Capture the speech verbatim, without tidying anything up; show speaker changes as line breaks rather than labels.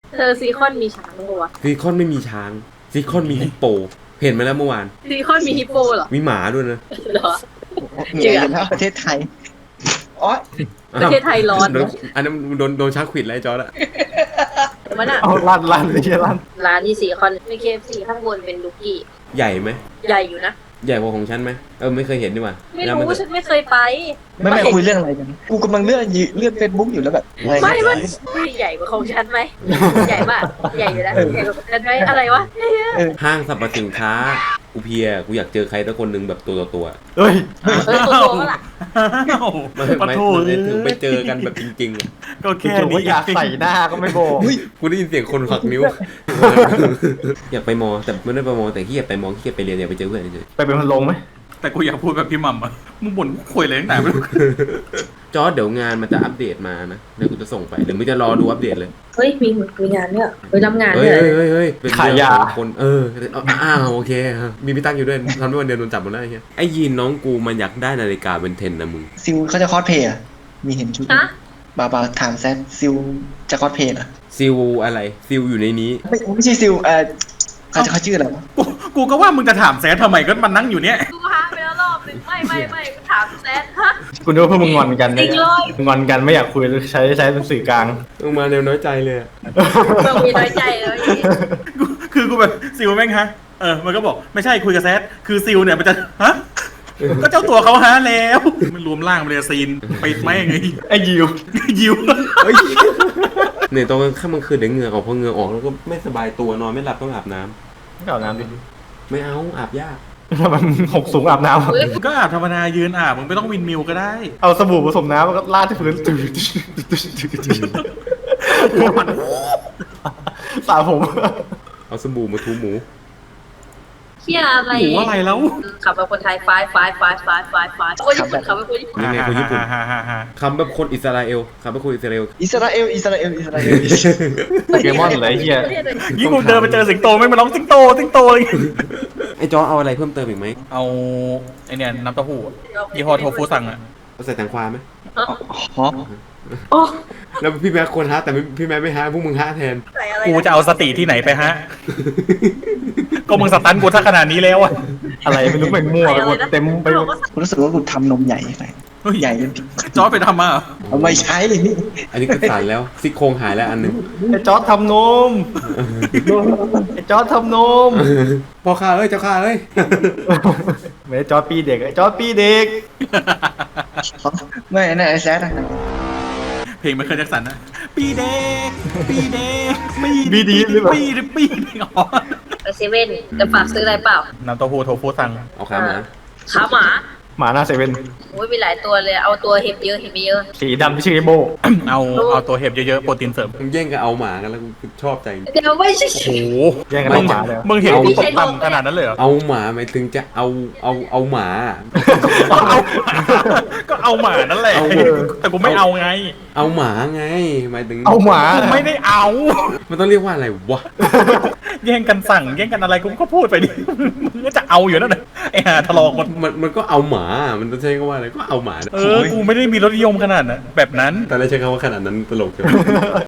เธอซีคอนมีช้างปะวะ
ซีคอนไม่มีช้างซีคอนมีฮิปโปเห็นมาแล้วเมื่อวาน
ซีคอนมีฮิปโปเหรอ
มีหมาด้วยนะ
เหรอ
เหนื่อยกันแล้วประเทศไทยอ๋อ
ประเทศไทยร้อน
โดนอันนั้นโดนโดนช้างขวิดแล้วไอ้จอร์ดอะ
มันอะ
เอาลั่นลั่นไม่ใช่ลั่น
ร้านที่ซีคอนมีเคฟซีข้างบนเป็นลูกกี้
ใหญ่ไหม
ใหญ่อยู่นะ
ใหญ่กว่าของฉันไหมเออไม่เคยเห็นดีกว่า
ไม่
แล้วน
รู้ฉันไม่เคยไป
ไม่ไม่คุยเรื่องอะไรกัน กูกำลังเลื่อนยืเลื่อนเฟซบุ๊กอยู่แล้วแบบอะร
ไม่
เนี่ย
ไม่ไม่ใหญ่กว่าของฉันไหมใหญ่มากใหญ่อยู่นะใหญ่กว่าของฉันไหมอะไรวะ
ห้างสรรพสินค้ากูเพลียกูอยากเจอใครสักคนหนึ่งแบบตัวต่อตัว
เฮ้ย
เออตัวโตก็ล่ะ
ไม่
ปะ
ไม่
โถ
ไม่ถึงไปเจอกันแบบจริงๆอะ
ก็แค่นี้อยากใส่หน้าก็ไม่บอก
กูได้ยินเสียงคนหักนิ้ว อยากไปมอแต่ไม่ได้ไปมอแต่ขี้เกียจไปมอขี้เกียจไปเรียนอยากไปเจอเพื่อนเฉย
ไปเป็นพันลงไหม
แต่กูอยากพูดแบบพี่หม่ำอะมึงบ่นกูคุยอะไรตั้งแต่ไม่รู้
จอร์ดเดี๋ยวงานมันจะอัปเดตมานะเดี๋ยวกูจะส่งไปหรือมึงจะรอดูอัปเดตเลย
เฮ้ยมีมีงานเนี่ยเฮ้ยรับงาน
เฮ้
เนี่ย ย
เฮ้ยเฮ้ยเป็นเรื่องของคนเอออ้าวโอเคมีพี่ตั้งอยู่ด้วยทำให้วันเดียวโดนจับหมดแล้วไอ้เหี้ยไอ้ยีนน้องกูมันอยากได้นาฬิกาเป็นเทนนะมึง
ซิลเขาจะคอสเพลย์อะมีเห็นชุด
ฮะ
บาบาถามแซดซิลจะคอสเพลย์เหรอ
ซิลอะไรซิลอยู่ในนี้
ไม่ไม่ใช่ซิลเออเขาจะเขาชื่ออะไรวะ
กูกูก็ว่ามึงจะถามแซดทำไมก็มันนั่งอยู่เนี่ย
กูหาไปแล้วรอบนึงไม่ไม่ไม่กูถามแซดฮะ
คุณนึกว่าพวกมึงงอนกัน
จริงเลย
งอนกันไม่อยากคุยใช้ใช้เป็นสื่อกลาง
ลงมาแนวน้อยใจเลยอะ
มึงมีน้อยใจเลย
กูคือกูแบบซิลแม่งฮะเออมันก็บอกไม่ใช่คุยกับแซดคือซิลเนี่ยมันจะฮะก็เจ้าตัวเขาฮะแล้วมันรวมร่างมาเลยซีนปิดไม่ไง
ไอ้ยิว
ยิว
เฮ้ยเนี่ยตอนกลางค่ำกลางคืนเดี๋ยวเหงื่อออกพอเหงื่อออกแล้วก็ไม่สบายตัวนอนไม่หลับต้องอาบน้ำ
ไม่เอาน้ำดิ
ไม่เอาอาบยาก
ทำไมมันหกสูงอาบน้ำ
เฮ้ย
ก็อาบธรรมดายืนอาบมึงไม่ต้องวินมิวก็ได้
เอาสบู่ผสมน้ำแล้วก็ลาดที่พื้นตื่นสระผม
เอาสบู่มาทูหมู
เฮียอะไร
หมูอะไรแล้ว
ขับเป็นคนไทยไฟไฟไฟไฟไฟไฟคนญี่ปุ่นขับเป็นคนญี่ปุ่น
ยังไงคนญี่ปุ่น
ฮ่าฮ่าฮ่า
คำแบบคนอิสราเอลคำแบบคนอิสราเอล
อิสราเอลอิสราเอลอิสราเอล
โปเกมอนเลยไอ้เฮีย
ยิ่งกูเดินไปเจอสิงโตไม่มาร้องสิงโตสิงโตเลย
ไอ้จอเอาอะไรเพิ่มเติมอีกไหม
เอาไอเนี่ยน้ำเต้าหู้ยี่ห้อโทฟูสั่งอะ
เอาใส่แตงกวาไหม
ฮะ
โอ้
แล้วพี่แม่ควรฮะแต่ไม่พี่แม่ไม่ฮะพวกมึงฮะแทน
ใส่อะไร
กูจะเอาสติที่ไหนไปฮะ ก็มึงสตันกูถ้าขนาดนี้แล้วอะ
อะไรไม่รู้มันมั่วไปหมดเต็มไปหมด
กูรู้สึกว่ากูทำนมใหญ่ไป
เฮ้ย
ใหญ่จนผิด
จอร์จไปทำมาเหรอ
เอาไม่ใช่นี่
อันนี้คือสารแล้วซี่โครงหายแล้วอันหนึง
ไอ้จอร์ดทำนมไอ้จอร์ดทำนม
พ่อข้าเอ้ยเจ้าข้าเอ้ย
ไม่ได้จอร์ดปีเด็กไอ้จอร์ดปีเด็ก
ไม่นะไอ้แซดอะ
เพลงไมเคิลแจ็คสันนะปีเด็กปีเด็กปี
บีดีหรือเปล่า
ปีเด็กปีเด็กอ๋อ
ไปเซเว่นจะฝากซื้ออะไรเปล่า
น้ำเต้าหู้โทฟูสั่ง
เอาขามา
ขาหมา
หมาหน้าเซเว่น
โอ้ยมีหลายตัวเลยเอาตัวเห็บเยอะเห็บไม่เยอะ
สีดำที่ชื่อไอ้โบ
เอาเอาตัวเห็บเยอะๆโปรตีนเสริม
มึงแย่งกันเอาหมากันแล้วกูชอบใจ
เดี๋ยวไม่ใช่
โอ้โห
แย่งกัน
มึ
เอา
ง
หมาเลย
มึงเห็น
เอา
กูตกต่ำขนาดนั้นเลยเหรอ
เอาหมาหมายถึงจะเอาเอาเอาหมา
เอาก็เอาหมานั่นแหละ
เอา
แต่กูไม่เอาไง
เอาหมาไงหมายถึง
เอาหมา
กูไม่ได้เอา
มันต้องเรียกว่าอะไรวะ
แย่งกันสั่งแย่งกันอะไรกูก็พูดไปดิมึงก็จะเอาอยู่นั่นแหละไอ้ห่าทะเลาะกัน
มันมันก็เอาหมา มันต้องใช้คำว่าอะไรก็เอาหมา
เออกูไม่ได้มีรสนิยมขนาดนั้นแบบนั้น
แต่ไม่ใช้คำว่าขนาดนั้นตลกจัง